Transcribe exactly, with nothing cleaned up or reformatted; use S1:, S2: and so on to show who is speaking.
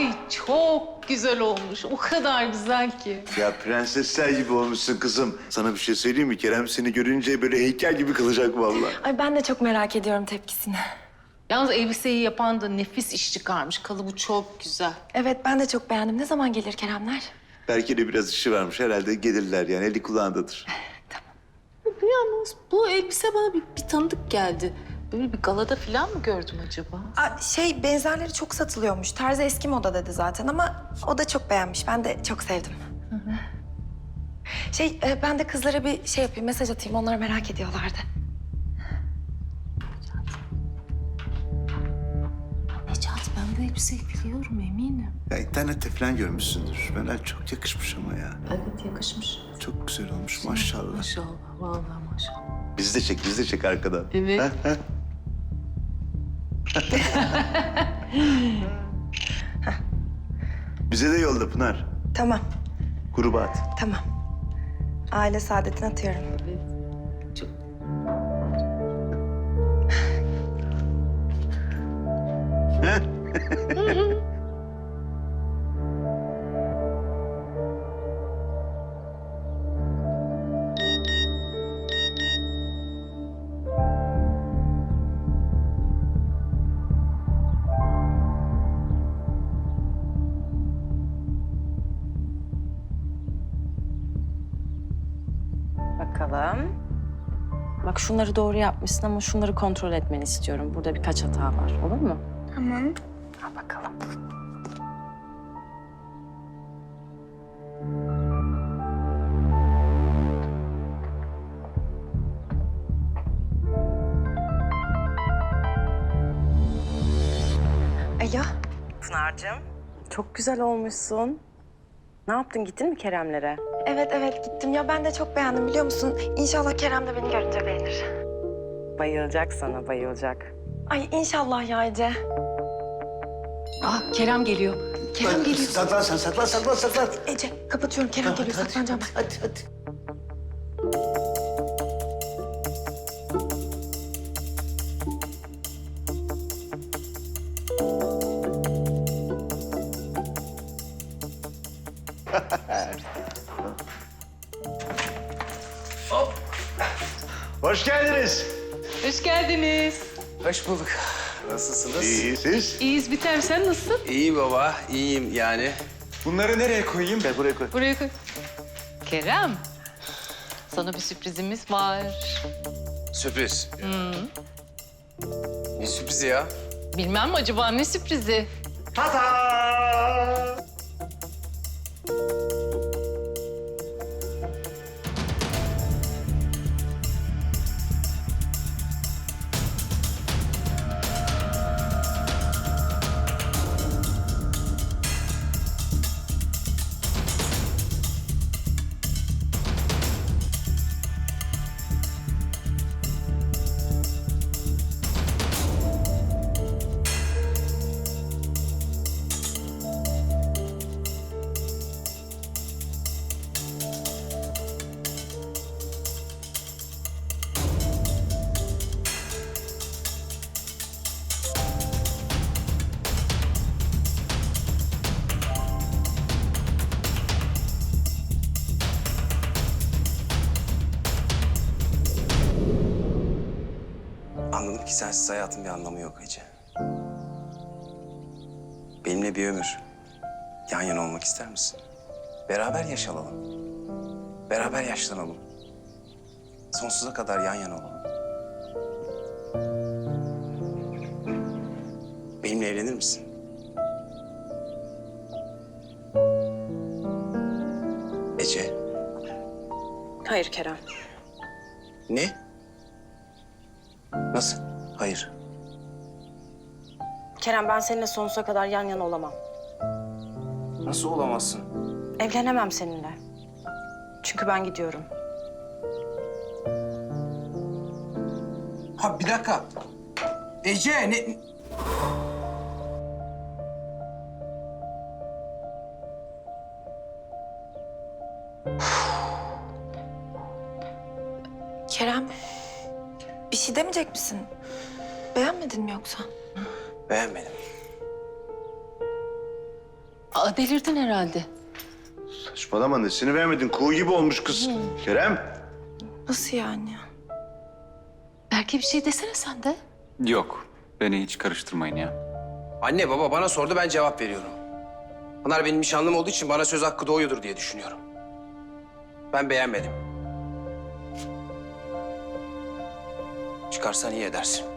S1: Ay çok güzel olmuş. O kadar güzel ki.
S2: Ya prensesler gibi olmuşsun kızım. Sana bir şey söyleyeyim mi? Kerem seni görünce böyle heykel gibi kılacak vallahi.
S3: Ay ben de çok merak ediyorum tepkisini.
S1: Yalnız elbiseyi yapan da nefis iş çıkarmış. Kalıbı çok güzel.
S3: Evet ben de çok beğendim. Ne zaman gelir Keremler?
S2: Belki de biraz işi varmış. Herhalde gelirler yani. Eli kulağındadır.
S1: Yalnız bu elbise bana bir, bir tanıdık geldi. Böyle bir galada falan mı gördüm acaba?
S3: Aa, şey benzerleri çok satılıyormuş. Tarzı eski moda dedi zaten ama o da çok beğenmiş. Ben de çok sevdim. Şey e, ben de kızlara bir şey yapayım, mesaj atayım. Onlar merak ediyorlardı.
S1: Necati ben bu elbiseyi biliyorum eminim.
S2: Ya internette falan görmüşsündür. Bana çok yakışmış ama ya.
S1: Evet yakışmış.
S2: Çok güzel olmuş maşallah.
S1: Maşallah vallahi maşallah.
S2: Bizi de çek, bizi de çek arkadan.
S1: Evet.
S2: Ha, ha. Bize de yolla Pınar.
S3: Tamam,
S2: Gruba at.
S3: tamam. Aile saadetini atıyorum.
S1: Çok...
S4: Bakalım. Bak şunları doğru yapmışsın ama şunları kontrol etmeni istiyorum. Burada birkaç hata var. Olur mu?
S3: Tamam.
S4: Al bakalım.
S3: Alo.
S4: Pınar'cığım. Çok güzel olmuşsun. Ne yaptın? Gittin mi Keremlere?
S3: Evet evet gittim. Ya ben de çok beğendim biliyor musun? İnşallah Kerem de beni görünce beğenir.
S4: Bayılacak sana, bayılacak.
S3: Ay inşallah ya Ece.
S1: Aa Kerem geliyor. Kerem geliyor.
S2: Saklan sen, saklan, saklan, saklan.
S3: Ece kapatıyorum. Kerem geliyor. Saklanacağım ben.
S2: Hadi, hadi. Hoş geldiniz.
S1: Hoş geldiniz.
S5: Hoş bulduk. Nasılsınız?
S2: İyi, siz?
S1: İyiyiz Biter. Sen nasılsın?
S5: İyi baba, iyiyim yani. Bunları nereye koyayım?
S2: Gel buraya koy.
S1: Buraya koy. Kerem. Sana bir sürprizimiz var.
S5: Sürpriz. Ne sürprizi ya?
S1: Bilmem mi acaba ne sürprizi?
S2: Tata!
S5: Anladım ki sensiz hayatın bir anlamı yok Ece. Benimle bir ömür yan yana olmak ister misin? Beraber yaşayalım. Beraber yaşlanalım. Sonsuza kadar yan yana olalım. Benimle evlenir misin? Ece,
S4: Hayır Kerem.
S5: ne? Nasıl? Hayır.
S4: Kerem ben seninle sonsuza kadar yan yana olamam.
S5: Nasıl olamazsın?
S4: Evlenemem seninle. Çünkü ben gidiyorum.
S5: Ha bir dakika. Ece ne?
S3: Kerem bir şey demeyecek misin? Beğenmedin mi yoksa?
S5: Beğenmedim.
S1: Aa, delirdin herhalde.
S2: Saçmalama, nesini beğenmedin? Kuğu gibi olmuş kız. Kerem.
S3: Nasıl yani?
S1: Belki bir şey desene sen de.
S6: Yok. Beni hiç karıştırmayın ya.
S7: Anne baba bana sordu, ben cevap veriyorum. Pınar benim nişanlım olduğu için bana söz hakkı doğuyordur diye düşünüyorum. Ben beğenmedim. Çıkarsan iyi edersin.